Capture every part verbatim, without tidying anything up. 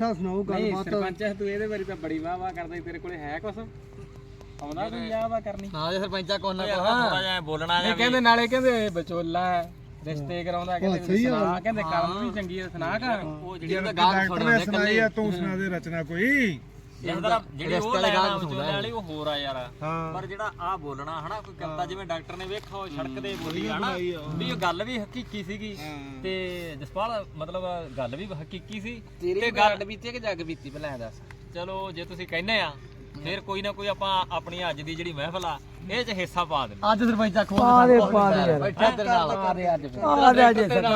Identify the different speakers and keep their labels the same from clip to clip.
Speaker 1: ਪੁੱਠਾ ਸੁਣਾਓ ਗੱਲਬਾਤ।
Speaker 2: ਸਰਪੰਚ ਤੂੰ ਇਹਦੇ ਬਾਰੇ ਤਾਂ ਬੜੀ ਵਾਹ ਵਾਹ ਕਰਦਾ, ਤੇਰੇ ਕੋਲੇ ਹੈ ਕੁਛ ਆਉਂਦਾ ਕੋਈ ਵਾਹ ਵਾਹ ਕਰਨੀ?
Speaker 3: ਹਾਂ ਜੇ ਸਰਪੰਚਾ ਕੋਲ ਨਾ ਥੋੜਾ ਜਿਹਾ ਬੋਲਣਾ ਜਾਂ
Speaker 2: ਕਹਿੰਦੇ ਨਾਲੇ ਕਹਿੰਦੇ ਵਿਚੋਲਾ ਰਿਸ਼ਤੇ ਕਰਾਉਂਦਾ, ਕਹਿੰਦੇ ਸੁਣਾ, ਕਹਿੰਦੇ ਕੰਮ ਵੀ ਚੰਗੀ ਹੈ, ਸੁਣਾ ਕਰ।
Speaker 3: ਉਹ ਜਿਹੜੀ ਤਾਂ ਗੱਲ ਸੁਣਾਉਂਦੇ
Speaker 4: ਸੁਣਾਈ ਆ, ਤੂੰ ਸੁਣਾ ਦੇ ਰਚਨਾ ਕੋਈ।
Speaker 3: ਜਿਹੜੀ ਉਹ ਲੈਣਾ ਵਿਚੋਲੇ ਵਾਲੀ ਉਹ ਹੋਰ ਆ ਯਾਰ, ਪਰ ਜਿਹੜਾ ਆ ਬੋਲਣਾ ਹਨਾ ਕੋਈ ਕਵਿਤਾ ਜਿਵੇਂ ਡਾਕਟਰ ਨੇ ਵੇਖਾ ਉਹ ਸੜਕ ਦੇ ਬੋਲੀ ਹਨਾ ਵੀ ਉਹ ਗੱਲ ਵੀ ਹਕੀਕੀ ਸੀਗੀ ਤੇ ਜਸਪਾਲ ਮਤਲਬ ਗੱਲ ਵੀ ਹਕੀਕੀ ਸੀ ਤੇ ਗੱਲ ਬੀਤੀ ਕਿ ਜੱਗ ਬੀਤੀ ਪਹਿਲਾਂ ਦੱਸ। ਚਲੋ ਜੇ ਤੁਸੀਂ ਕਹਿੰਦੇ ਆ ਫਿਰ ਕੋਈ ਨਾ ਕੋਈ ਆਪਾਂ ਆਪਣੀ ਅੱਜ ਦੀ ਜਿਹੜੀ ਮਹਿਫਲ ਆ ਇਹ ਚ ਹਿੱਸਾ ਪਾ ਦੇ।
Speaker 1: ਅੱਜ ਸਰਪੰਚਾ ਖੋਲ ਪਾ ਦੇ ਪਾ ਦੇ ਯਾਰ
Speaker 3: ਬੈਠਾ ਤੇਰੇ ਨਾਲ
Speaker 1: ਆ ਦੇ ਅੱਜ ਆ ਦੇ ਅੱਜ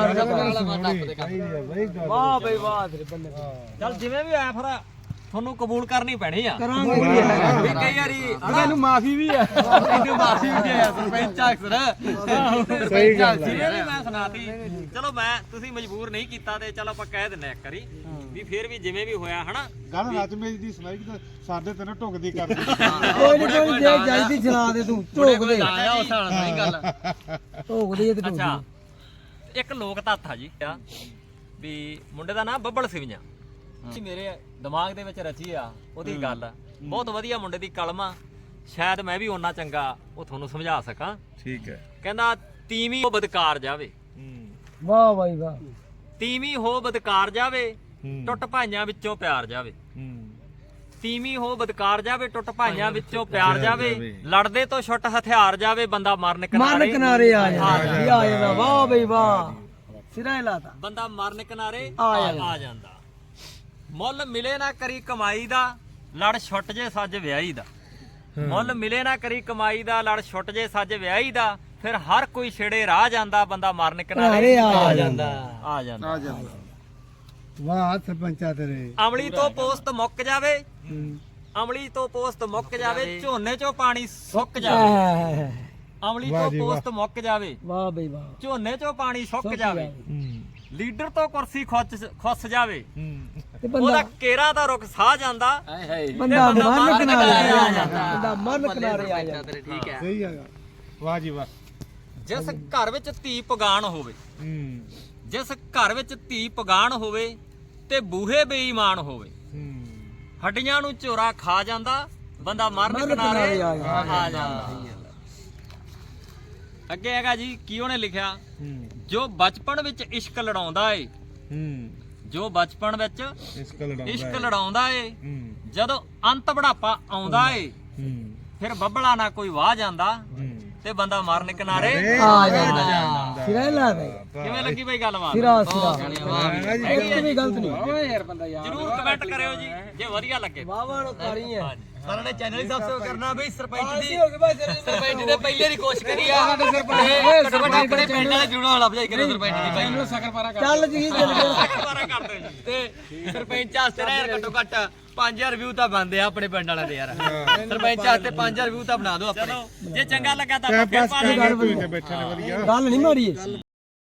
Speaker 3: ਵਾਹ ਬਈ ਵਾਹ ਤੇਰੇ ਬੰਦੇ। ਚੱਲ ਜਿਵੇਂ ਵੀ ਆਇਆ ਫਿਰ ਤੁਹਾਨੂੰ ਕਬੂਲ ਕਰਨੀ ਪੈਣੀ ਆ
Speaker 1: ਕਰਾਂਗੇ
Speaker 3: ਵੀ ਕਈ ਵਾਰੀ
Speaker 1: ਇਹਨੂੰ ਮਾਫੀ ਵੀ ਆ,
Speaker 3: ਇਹਨੂੰ ਮਾਫੀ ਵੀ ਆ ਸਰਪੰਚ ਅਕਸਰ ਸਹੀ ਗੱਲ ਜਿਵੇਂ ਵੀ ਮੈਂ ਸੁਣਾਤੀ। ਚਲੋ ਮੈਂ ਤੁਸੀਂ ਮਜਬੂਰ ਨਹੀਂ ਕੀਤਾ ਤੇ ਚਲ ਆਪਾਂ ਕਹਿ ਦਿੰਨੇ ਇੱਕ ਵਾਰੀ ਵੀ ਫਿਰ ਵੀ ਜਿਵੇਂ ਵੀ ਹੋਇਆ ਹਨਾ
Speaker 4: ਗੱਲ ਰਾਜ ਮੇਰੀ ਦੀ ਸੁਣਾਈ ਕਿ ਸਾਡੇ ਤੇ ਨਾ ਢੁਕਦੀ ਕਰਦੀ।
Speaker 1: ਕੋਈ ਨਹੀਂ ਕੋਈ ਜੇ ਜਾਈਦੀ ਸੁਣਾ ਦੇ ਤੂੰ ਢੋਕ ਦੇ
Speaker 3: ਆਇਆ ਉਸ ਹਾਲ ਨਹੀਂ ਗੱਲ।
Speaker 1: ਢੋਕ ਦੇ ਤੇ
Speaker 3: ਅੱਛਾ ਇੱਕ ਲੋਕ ਤੱਥ ਆ ਜੀ ਆ ਵੀ ਮੁੰਡੇ ਦਾ ਨਾਮ ਬੱਬਲ ਸਿਵੀਆਂ ਮੇਰੇ ਦਿਮਾਗ ਦੇ ਵਿੱਚ ਰਚੀ ਆ ਉਹਦੀ ਗੱਲ ਬਹੁਤ ਵਧੀਆ ਮੁੰਡੇ ਦੀ ਕਲਮ ਆ, ਸ਼ਾਇਦ ਮੈਂ ਵੀ ਓਨਾ ਚੰਗਾ ਉਹ ਤੁਹਾਨੂੰ ਸਮਝਾ ਸਕਾਂ।
Speaker 4: ਠੀਕ ਹੈ।
Speaker 3: ਕਹਿੰਦਾ ਤੀਵੀਂ ਹੋ ਬਦਕਾਰ ਜਾਵੇ,
Speaker 1: ਵਾਹ ਬਾਈ ਵਾਹ,
Speaker 3: ਤੀਵੀਂ ਹੋ ਬਦਕਾਰ ਜਾਵੇ ਟੁੱਟ ਭਾਈਆਂ ਵਿੱਚੋਂ ਪਿਆਰ ਜਾਵੇ, ਤੀਵੀਂ ਹੋ ਬਦਕਾਰ ਜਾਵੇ ਟੁੱਟ ਭਾਈਆਂ ਵਿੱਚੋਂ ਪਿਆਰ ਜਾਵੇ, ਲੜਦੇ ਤੋਂ ਛੁੱਟ ਹਥਿਆਰ ਜਾਵੇ, ਬੰਦਾ ਮਰਨ
Speaker 1: ਮਰਨ
Speaker 3: ਕਿਨਾਰੇ
Speaker 1: ਕਿਨਾਰੇ ਆ ਜਾਂਦਾ ਆ ਜਾਂਦਾ। ਵਾਹ ਬਈ ਵਾਹ, ਸਿਰਾ ਲਾਤਾ,
Speaker 3: ਬੰਦਾ ਮਰਨ ਕਿਨਾਰੇ
Speaker 1: ਆ
Speaker 3: ਆ ਜਾਂਦਾ। ਮੁੱਲ ਮਿਲੇ ਨਾ ਕਰੀ ਕਮਾਈ ਦਾ, ਲੜ ਛੁੱਟ ਜੇ ਸੱਜ ਵਿਆਹੀ ਦਾ। ਮੁੱਲ ਮਿਲੇ ਨਾ ਕਰੀ ਕਮਾਈ ਦਾ, ਲੜ ਛੁੱਟ ਜੇ ਸੱਜ ਵਿਆਹੀ ਦਾ, ਫਿਰ ਹਰ ਕੋਈ ਛੇੜੇ ਰਾਹ ਜਾਂਦਾ, ਬੰਦਾ ਮਰਨ ਕਿਨਾਰੇ ਆ ਜਾਂਦਾ ਆ ਜਾਂਦਾ।
Speaker 1: ਵਾਹ ਸਰਪੰਚਾ ਤੇਰੇ।
Speaker 3: ਅਮਲੀ ਤੋਂ ਪੋਸਤ ਮੁੱਕ ਜਾਵੇ, ਅਮਲੀ ਤੋਂ ਪੋਸਤ ਮੁੱਕ ਜਾਵੇ, ਝੋਨੇ ਚੋਂ ਪਾਣੀ ਸੁੱਕ ਜਾਵੇ। ਅਮਲੀ ਤੋਂ ਪੋਸਤ ਮੁੱਕ ਜਾਵੇ,
Speaker 1: ਵਾਹ ਬਈ ਵਾਹ,
Speaker 3: ਝੋਨੇ ਚੋਂ ਪਾਣੀ ਸੁੱਕ ਜਾਵੇ, ਲੀਡਰ ਤੋਂ ਕੁਰਸੀ ਖੁੱਸ ਖੁੱਸ ਜਾਵੇ,
Speaker 1: ਤੇ
Speaker 3: ਉਹਦਾ
Speaker 1: ਬੰਦਾ
Speaker 3: ਕੇਰਾ ਦਾ ਰੁੱਖ ਸਾਹ ਜਾਂਦਾ,
Speaker 1: ਬੰਦਾ ਮਰਨ ਕਿਨਾਰੇ ਆ ਜਾਂਦਾ, ਬੰਦਾ ਮਰਨ ਕਿਨਾਰੇ ਆ ਜਾਂਦਾ।
Speaker 3: ਠੀਕ ਹੈ।
Speaker 4: ਸਹੀ ਹੈਗਾ। ਵਾਹ ਜੀ ਵਾਹ।
Speaker 3: ਜਿਸ ਘਰ ਵਿੱਚ ਧੀ ਪਗਾਨ ਹੋਵੇ,
Speaker 4: ਹੂੰ
Speaker 3: ਜਿਸ ਘਰ ਵਿੱਚ ਧੀ ਪਗਾਨ ਹੋਵੇ ਤੇ ਬੂਹੇ ਬੇਈਮਾਨ ਹੋਵੇ,
Speaker 4: ਹੂੰ
Speaker 3: ਹੱਡੀਆਂ ਨੂੰ ਝੋਰਾ ਖਾ ਜਾਂਦਾ, ਬੰਦਾ ਮਰਨ ਕਿਨਾਰੇ ਆ ਜਾਂਦਾ। ਅੱਗੇ ਹੈਗਾ ਜੀ ਕੀ ਉਹਨੇ ਲਿਖਿਆ, ਜੋ ਬਚਪਨ ਵਿੱਚ ਇਸ਼ਕ ਲੜਾਉਂਦਾ ਏ,
Speaker 4: ਹੂੰ
Speaker 3: ਜੋ ਬਚਪਨ ਵਿੱਚ
Speaker 4: ਇਸ਼ਕ ਲੜਾਉਂਦਾ
Speaker 3: ਇਸ਼ਕ ਲੜਾਉਂਦਾ ਏ,
Speaker 4: ਹੂੰ
Speaker 3: ਜਦੋਂ ਅੰਤ ਬੁਢਾਪਾ ਆਉਂਦਾ ਏ,
Speaker 4: ਹੂੰ
Speaker 3: ਫਿਰ ਬੱਬਲਾ ਨਾ ਕੋਈ ਵਾਹ ਜਾਂਦਾ ਤੇ ਬੰਦਾ ਮਰਨ ਕਿਨਾਰੇ
Speaker 1: ਆ ਜਾਂਦਾ। ਸਿਰਾ ਲਾ ਦੇ,
Speaker 3: ਕਿਵੇਂ ਲੱਗੀ ਬਈ ਗੱਲਬਾਤ?
Speaker 1: ਸਿਰਾ ਸਿਰਾ ਇੱਕ ਵੀ ਗਲਤ ਨਹੀਂ।
Speaker 2: ਓਏ ਯਾਰ ਬੰਦਾ ਯਾਰ
Speaker 3: ਜਰੂਰ ਕਮੈਂਟ ਕਰਿਓ ਜੀ ਜੇ ਵਧੀਆ ਲੱਗੇ।
Speaker 1: ਵਾਹ ਵਾਹ ਕਾਲੀ ਹੈ।
Speaker 3: ਸਾਰਿਆਂ ਨੇ ਚੈਨਲ ਹੀ ਸਬਸਕ੍ਰਾਈਬ ਕਰਨਾ ਬਈ। ਸਰਪੰਚ ਦੀ
Speaker 1: ਹੋ ਗਏ ਭਾਈ ਤੇਰੇ
Speaker 3: ਸਰਪੰਚ ਦੇ ਪਹਿਲੇ ਦੀ ਕੋਸ਼ਿਸ਼ ਕਰੀ ਆ ਸਾਡੇ ਸਰਪੰਚ ਆਪਣੇ ਪਿੰਡ ਵਾਲੇ ਜੁੜੋ ਵਾਲਾ ਭਜਾਈ ਕਰੇ ਸਰਪੰਚ ਦੀ ਭਾਈ
Speaker 2: ਇਹਨੂੰ ਸਕਰਪਾਰਾ ਕਰ
Speaker 1: ਚੱਲ ਜੀ ਚੱਲ
Speaker 3: ਦੁਬਾਰਾ ਕਰ ਦਿਓ ਜੀ। ਤੇ ਸਰਪੰਚ ਵਾਸਤੇ ਨਾ ਯਾਰ ਘੱਟੋ ਘੱਟ ਪੰਜ ਹਜ਼ਾਰ ਵਿਊ ਤਾਂ ਬਣਦੇ ਆ ਆਪਣੇ ਪਿੰਡ ਵਾਲਿਆਂ ਦੇ ਯਾਰ। ਸਰਪੰਚ ਵਾਸਤੇ ਪੰਜ ਹਜ਼ਾਰ ਵਿਊ ਤਾਂ ਬਣਾ ਦਿਓ ਆਪਣੇ। ਜੇ ਚੰਗਾ ਲੱਗਾ ਤਾਂ ਆਪਾਂ ਫਿਰ ਪਾ ਲਾਂਗੇ।
Speaker 4: ਬੈਠੇ ਨੇ ਵਧੀਆ।
Speaker 1: ਗੱਲ ਨਹੀਂ ਮਾਰੀ